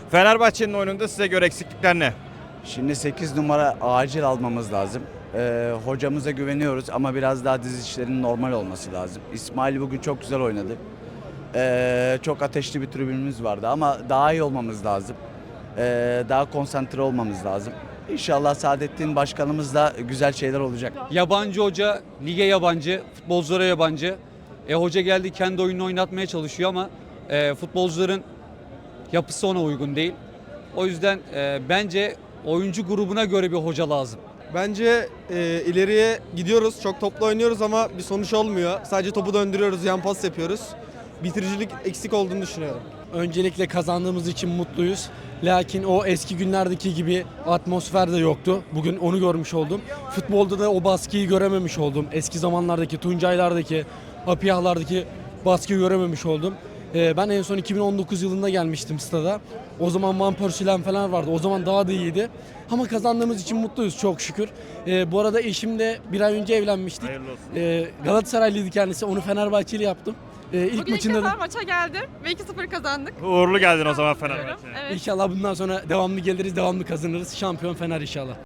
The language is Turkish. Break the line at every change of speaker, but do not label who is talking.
Fenerbahçe'nin oyununda size göre eksiklikler ne?
Şimdi 8 numara acil almamız lazım. Hocamıza güveniyoruz ama biraz daha diz işlerinin normal olması lazım. İsmail bugün çok güzel oynadı. Çok ateşli bir tribünümüz vardı ama daha iyi olmamız lazım. Daha konsantre olmamız lazım. İnşallah Saadettin Başkanımızla güzel şeyler olacak.
Yabancı hoca, lige yabancı, futbolculara yabancı. Hoca geldi kendi oyununu oynatmaya çalışıyor ama futbolcuların yapısı ona uygun değil. O yüzden bence oyuncu grubuna göre bir hoca lazım.
Bence ileriye gidiyoruz. Çok toplu oynuyoruz ama bir sonuç olmuyor. Sadece topu döndürüyoruz, yan pas yapıyoruz. Bitiricilik eksik olduğunu düşünüyorum.
Öncelikle kazandığımız için mutluyuz. Lakin o eski günlerdeki gibi atmosfer de yoktu. Bugün onu görmüş oldum. Futbolda da o baskıyı görememiş oldum. Eski zamanlardaki, Tuncaylardaki, Apiyahlardaki baskıyı görememiş oldum. Ben en son 2019 yılında gelmiştim stada. O zaman Van Persie'len falan vardı. O zaman daha da iyiydi. Ama kazandığımız için mutluyuz çok şükür. Bu arada eşimle bir ay önce evlenmiştik.
Hayırlı olsun.
Galatasaraylıydı kendisi. Onu Fenerbahçeli yaptım. İlk
Bugün
maçında
ilk
da
defa maça geldim ve 2-0 kazandık.
Uğurlu geldin o zaman Fenerbahçe'ye.
Evet.
İnşallah bundan sonra devamlı geliriz, devamlı kazanırız. Şampiyon Fener inşallah.